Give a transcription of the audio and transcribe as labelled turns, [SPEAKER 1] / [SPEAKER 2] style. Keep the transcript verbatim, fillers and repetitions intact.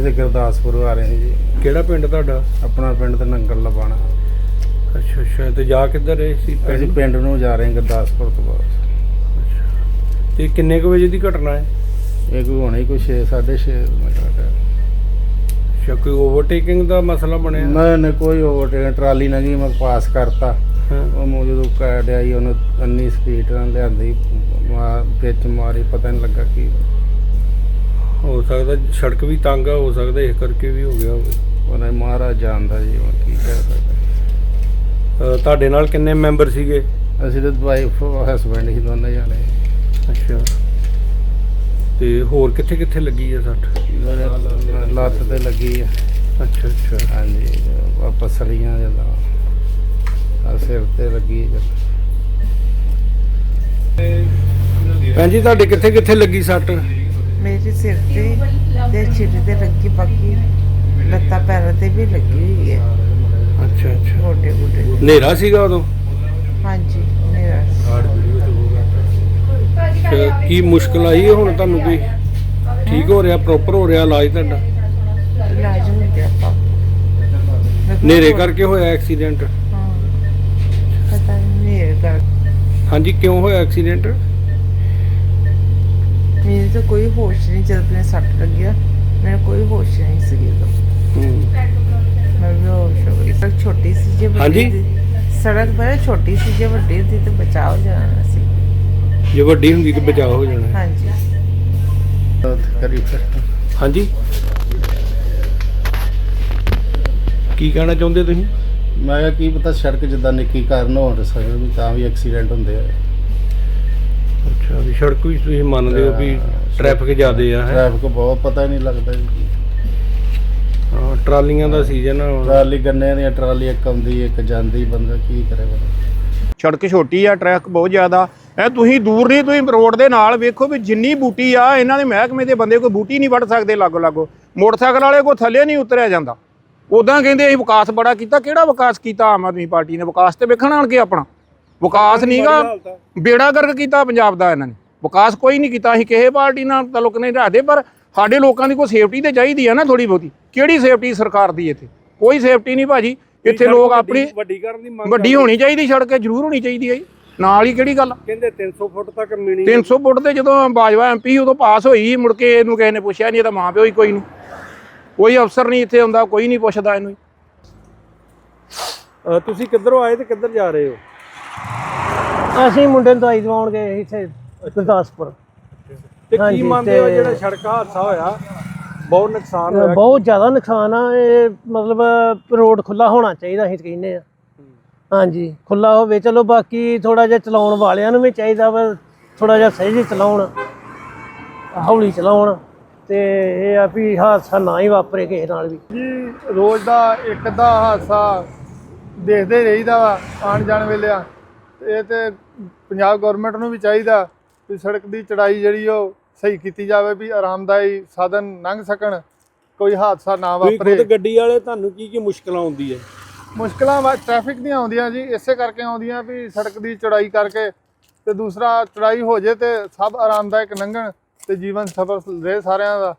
[SPEAKER 1] ਅਸੀਂ ਤਾਂ ਗੁਰਦਾਸਪੁਰ ਆ ਰਹੇ ਜੀ।
[SPEAKER 2] ਕਿਹੜਾ ਪਿੰਡ ਤੁਹਾਡਾ?
[SPEAKER 1] ਆਪਣਾ ਪਿੰਡ ਤਾਂ ਨੰਗਲ ਲਵਾਣਾ।
[SPEAKER 2] ਅੱਛਾ ਅੱਛਾ, ਤੇ ਜਾ ਕਿੱਧਰ ਰਹੇ ਸੀ?
[SPEAKER 1] ਅਸੀਂ ਪਿੰਡ ਨੂੰ ਜਾ ਰਹੇ ਗੁਰਦਾਸਪੁਰ ਤੋਂ ਬਾਅਦ।
[SPEAKER 2] ਅੱਛਾ, ਤੇ ਕਿੰਨੇ ਕੁ ਵਜੇ ਦੀ ਘਟਨਾ ਹੈ
[SPEAKER 1] ਇਹ ਕੋਈ ਹੋਣਾ ਹੀ ਕੋਈ ਛੇ ਸਾਢੇ ਛੇ ਮਿੰਟ ਦਾ।
[SPEAKER 2] ਅੱਛਾ, ਕੋਈ ਓਵਰਟੇਕਿੰਗ ਦਾ ਮਸਲਾ ਬਣਿਆ?
[SPEAKER 1] ਨਹੀਂ ਨਹੀਂ, ਕੋਈ ਓਵਰਟੇਕ ਟਰਾਲੀ ਨਾ ਗਈ, ਮੈਂ ਪਾਸ ਕਰਤਾ। ਉਹ ਮੈਨੂੰ ਜਦੋਂ ਕਾੜਿਆ ਹੀ ਉਹਨੂੰ ਇੰਨੀ ਸਪੀਡ ਨਾਲ ਲਿਆਂਦੀ, ਮਾਰ ਵਿੱਚ ਮਾਰੀ, ਪਤਾ ਨਹੀਂ ਲੱਗਾ ਕੀ
[SPEAKER 2] ਹੋ ਸਕਦਾ ਸੜਕ ਵੀ ਤੰਗ ਆ, ਹੋ ਸਕਦਾ ਇਸ ਕਰਕੇ ਵੀ ਹੋ ਗਿਆ ਹੋਵੇ।
[SPEAKER 1] ਉਹਨੇ ਮਹਾਰਾਜ ਜਾਣਦਾ ਜੀ, ਹੁਣ ਕੀ ਕਹਿ ਸਕਦਾ।
[SPEAKER 2] ਤੁਹਾਡੇ ਨਾਲ ਕਿੰਨੇ ਮੈਂਬਰ ਸੀਗੇ?
[SPEAKER 1] ਅਸੀਂ ਤਾਂ ਵਾਈਫ ਹਸਬੈਂਡ ਹੀ ਦੋਨੇ ਜਾਣੇ।
[SPEAKER 2] ਅੱਛਾ, ਤੇ ਹੋਰ ਕਿੱਥੇ ਕਿੱਥੇ ਲੱਗੀ ਆ ਸੱਟ?
[SPEAKER 1] ਲੱਤ ਤੇ ਲੱਗੀ ਆ।
[SPEAKER 2] ਅੱਛਾ ਅੱਛਾ,
[SPEAKER 1] ਹਾਂਜੀ, ਵਾਪਸ ਸੜੀਆਂ ਜਾਂਦਾ ਆ, ਸਿਰ ਤੇ ਲੱਗੀ।
[SPEAKER 2] ਭੈਣ ਜੀ ਤੁਹਾਡੇ ਕਿੱਥੇ ਕਿੱਥੇ ਲੱਗੀ ਸੱਟ?
[SPEAKER 3] ਮੇਰੇ ਸਿਰ ਤੇ ਤੇ ਛਿੱਲ ਤੇ ਲੱਗੀ, ਬਾਕੀ ਲੱਤਾਂ ਪੈਰਾਂ ਤੇ ਵੀ ਲੱਗੀ ਹੋਈ ਹੈ।
[SPEAKER 2] ਅੱਛਾ ਅੱਛਾ,
[SPEAKER 3] ਗੋਡੇ ਗੋਡੇ
[SPEAKER 2] ਹਨੇਰਾ ਸੀਗਾ ਉਦੋਂ?
[SPEAKER 3] ਹਾਂਜੀ, ਮੇਰਾ
[SPEAKER 2] ਤੇ ਕੀ ਮੁਸ਼ਕਲ ਆਈ ਹੁਣ ਤੁਹਾਨੂੰ? ਕੋਈ ਠੀਕ ਹੋ ਰਿਹਾ, ਪ੍ਰੋਪਰ ਹੋ ਰਿਹਾ ਇਲਾਜ ਤੁਹਾਡਾ?
[SPEAKER 3] ਇਲਾਜ ਹੋ ਗਿਆ ਪਾਪਾ।
[SPEAKER 2] ਹਨੇਰੇ ਕਰਕੇ ਹੋਇਆ ਐਕਸੀਡੈਂਟ?
[SPEAKER 3] ਹਾਂ, ਪਤਾ ਨਹੀਂ ਹਨੇਰੇ ਕਰ।
[SPEAKER 2] ਹਾਂਜੀ, ਕਿਉਂ ਹੋਇਆ ਐਕਸੀਡੈਂਟ?
[SPEAKER 3] ਮੈਨੂੰ ਤਾਂ ਕੋਈ ਹੋਸ਼ ਨਹੀਂ, ਜਦ ਮੈਨੂੰ ਸੱਟ ਲੱਗਿਆ ਮੈਨੂੰ ਕੋਈ ਹੋਸ਼ ਨਹੀਂ ਸੀ ਉਦੋਂ। ਮੈਂ ਬੇਹੋਸ਼ ਹੋ ਗਈ। ਸੜਕ ਛੋਟੀ ਸੀ, ਜੇ ਵੱਡੀ ਹੁੰਦੀ ਸੜਕ ਬੜੀ ਛੋਟੀ ਸੀ, ਜੇ ਵੱਡੀ ਹੁੰਦੀ ਤਾਂ ਬਚਾਅ ਹੋ ਜਾਣਾ ਸੀ।
[SPEAKER 2] ਜੇ ਵੱਡੀ ਹੁੰਦੀ ਤਾਂ ਬਚਾਅ ਹੋ ਜਾਣਾ।
[SPEAKER 3] ਹਾਂਜੀ
[SPEAKER 1] ਕਰੀ ਫਿਰ
[SPEAKER 2] ਹਾਂਜੀ, ਕੀ ਕਹਿਣਾ ਚਾਹੁੰਦੇ ਤੁਸੀਂ?
[SPEAKER 1] ਮੈਂ ਕਿਹਾ ਕੀ ਪਤਾ ਸੜਕ ਜਿੱਦਾਂ ਨਿੱਕੀ ਕਾਰਨ ਹੋ ਸਕਦਾ ਵੀ ਤਾਂ ਵੀ ਐਕਸੀਡੈਂਟ ਹੁੰਦੇ ਆ।
[SPEAKER 2] ਅੱਛਾ, ਵੀ ਸੜਕ ਵੀ ਤੁਸੀਂ ਮੰਨਦੇ ਹੋ ਵੀ ਟ੍ਰੈਫਿਕ ਜ਼ਿਆਦੇ ਆ? ਹੈ,
[SPEAKER 1] ਟ੍ਰੈਫਿਕ ਬਹੁਤ, ਪਤਾ ਹੀ ਨਹੀਂ ਲੱਗਦਾ ਜੀ।
[SPEAKER 2] ਹਾਂ, ਟਰਾਲੀਆਂ ਦਾ ਸੀਜ਼ਨ ਆ ਹੁਣ।
[SPEAKER 1] ਟਰਾਲੀ ਗੰਨੇ ਦੀਆਂ ਟਰਾਲੀ ਇੱਕ ਆਉਂਦੀ ਇੱਕ ਜਾਂਦੀ, ਬੰਦਾ ਕੀ ਕਰੇ ਬੰਦਾ।
[SPEAKER 4] ਸੜਕ ਛੋਟੀ ਆ, ਟ੍ਰੈਫਿਕ ਬਹੁਤ ਜ਼ਿਆਦਾ ਹੈ। ਤੁਸੀਂ ਦੂਰ ਨਹੀਂ, ਤੁਸੀਂ ਰੋਡ ਦੇ ਨਾਲ ਵੇਖੋ ਵੀ ਜਿੰਨੀ ਬੂਟੀ ਆ, ਇਹਨਾਂ ਦੇ ਮਹਿਕਮੇ ਦੇ ਬੰਦੇ ਕੋਈ ਬੂਟੀ ਨਹੀਂ ਵੱਢ ਸਕਦੇ ਲਾਗੋ ਲਾਗੋ। ਮੋਟਰਸਾਈਕਲ ਵਾਲੇ ਕੋਈ ਥੱਲੇ ਨਹੀਂ ਉਤਰਿਆ ਜਾਂਦਾ। ਉੱਦਾਂ ਕਹਿੰਦੇ ਅਸੀਂ ਵਿਕਾਸ ਬੜਾ ਕੀਤਾ। ਕਿਹੜਾ ਵਿਕਾਸ ਕੀਤਾ ਆਮ ਆਦਮੀ ਪਾਰਟੀ ਨੇ? ਵਿਕਾਸ ਤੇ ਵੇਖਣ ਆਣ ਕੇ ਆਪਣਾ ਵਿਕਾਸ ਨਹੀਂਗਾ, ਬੇੜਾ ਗਰਕ ਕੀਤਾ ਪੰਜਾਬ ਦਾ ਇਹਨਾਂ ਨੇ। ਵਿਕਾਸ ਕੋਈ ਨਹੀਂ ਕੀਤਾ। ਅਸੀਂ ਕਿਸੇ ਪਾਰਟੀ ਨਾਲ ਤਾਲੁਕ ਨਹੀਂ ਰੱਖਦੇ, ਪਰ ਸਾਡੇ ਲੋਕਾਂ ਦੀ ਕੋਈ ਸੇਫਟੀ ਤੇ ਚਾਹੀਦੀ ਆ ਨਾ ਥੋੜੀ ਬਹੁਤੀ। ਕਿਹੜੀ ਸੇਫਟੀ ਸਰਕਾਰ ਦੀ ਇੱਥੇ? ਕੋਈ ਸੇਫਟੀ ਨਹੀਂ ਭਾਜੀ। ਇੱਥੇ ਲੋਕ ਆਪਣੀ
[SPEAKER 2] ਵੱਡੀ ਕਰਨ ਦੀ ਮੰਗ
[SPEAKER 4] ਵੱਡੀ ਹੋਣੀ ਚਾਹੀਦੀ, ਸੜਕ ਜ਼ਰੂਰ ਹੋਣੀ ਚਾਹੀਦੀ ਹੈ ਜੀ। ਨਾਲ ਹੀ ਕਿਹੜੀ ਗੱਲ?
[SPEAKER 2] ਕਹਿੰਦੇ ਤਿੰਨ ਸੌ ਫੁੱਟ ਤੱਕ ਮਿਣੀ।
[SPEAKER 4] ਤਿੰਨ ਸੌ ਫੁੱਟ ਤੇ ਜਦੋਂ ਬਾਜਵਾ ਐਮ ਪੀ ਉਦੋਂ ਪਾਸ ਹੋਈ, ਮੁੜ ਕੇ ਇਹਨੂੰ ਕਿਸੇ ਨੇ ਪੁੱਛਿਆ ਨਹੀਂ। ਇਹਦਾ ਮਾਂ ਪਿਓ ਹੀ ਕੋਈ ਨਹੀਂ, ਕੋਈ ਅਫਸਰ ਨਹੀਂ ਇੱਥੇ ਹੁੰਦਾ, ਕੋਈ ਨਹੀਂ ਪੁੱਛਦਾ ਇਹਨੂੰ।
[SPEAKER 2] ਤੁਸੀਂ ਕਿੱਧਰੋਂ ਆਏ ਤੇ ਕਿੱਧਰ ਜਾ ਰਹੇ ਹੋ?
[SPEAKER 5] ਅਸੀਂ ਮੁੰਡੇ ਨੂੰ ਦਵਾਈ ਦਵਾਉਣ ਗਏ ਇੱਥੇ ਗੁਰਦਾਸਪੁਰ।
[SPEAKER 2] ਤੇ ਕੀ ਮੰਨਦੇ ਹੋ ਜਿਹੜਾ ਸੜਕ ਹਾਦਸਾ ਹੋਇਆ, ਬਹੁਤ ਨੁਕਸਾਨ ਹੋਇਆ?
[SPEAKER 5] ਬਹੁਤ ਜ਼ਿਆਦਾ ਨੁਕਸਾਨ ਆ। ਇਹ ਮਤਲਬ ਰੋਡ ਖੁੱਲਾ ਹੋਣਾ ਚਾਹੀਦਾ, ਅਸੀਂ ਕਹਿੰਦੇ ਆ। ਹਾਂਜੀ, ਖੁੱਲਾ ਹੋਵੇ ਚਲੋ। ਬਾਕੀ ਥੋੜਾ ਜਿਹਾ ਚਲਾਉਣ ਵਾਲਿਆਂ ਨੂੰ ਵੀ ਚਾਹੀਦਾ ਵਾ ਥੋੜਾ ਜਿਹਾ ਸਹੀ ਚਲਾਉਣ, ਹੌਲੀ ਚਲਾਉਣ, ਤੇ ਇਹ ਆ ਵੀ ਹਾਦਸਾ ਨਾ ਹੀ ਵਾਪਰੇ ਕਿਸੇ ਨਾਲ ਵੀ।
[SPEAKER 6] ਜੀ ਰੋਜ਼ ਦਾ ਇੱਕ ਅੱਧਾ ਹਾਦਸਾ ਦੇਖਦੇ ਰਹੀਦਾ ਵਾ ਆਉਣ ਜਾਣ ਵੇਲੇ ਆ। ਇਹ ਤੇ ਪੰਜਾਬ ਗੌਰਮੈਂਟ ਨੂੰ ਵੀ ਚਾਹੀਦਾ ਵੀ ਸੜਕ ਦੀ ਚੜਾਈ ਜਿਹੜੀ ਉਹ ਸਹੀ ਕੀਤੀ ਜਾਵੇ, ਵੀ ਆਰਾਮਦਾਈ ਸਾਧਨ ਲੰਘ ਸਕਣ, ਕੋਈ ਹਾਦਸਾ ਨਾ ਵਾਪਰੇ।
[SPEAKER 2] ਖੁਦ ਗੱਡੀ ਵਾਲੇ ਤੁਹਾਨੂੰ ਕੀ ਕੀ ਮੁਸ਼ਕਲਾਂ ਆਉਂਦੀ ਹੈ?
[SPEAKER 6] ਮੁਸ਼ਕਲਾਂ ਵਾ ਟ੍ਰੈਫਿਕ ਦੀਆਂ ਆਉਂਦੀਆਂ ਜੀ, ਇਸੇ ਕਰਕੇ ਆਉਂਦੀਆਂ ਵੀ ਸੜਕ ਦੀ ਚੜਾਈ ਕਰਕੇ। ਤੇ ਦੂਸਰਾ ਚੜਾਈ ਹੋ ਜੇ ਤੇ ਸਭ ਆਰਾਮਦਾਇਕ ਲੰਘਣ ਤੇ ਜੀਵਨ ਸਫਲ ਰਹੇ ਸਾਰਿਆਂ ਦਾ।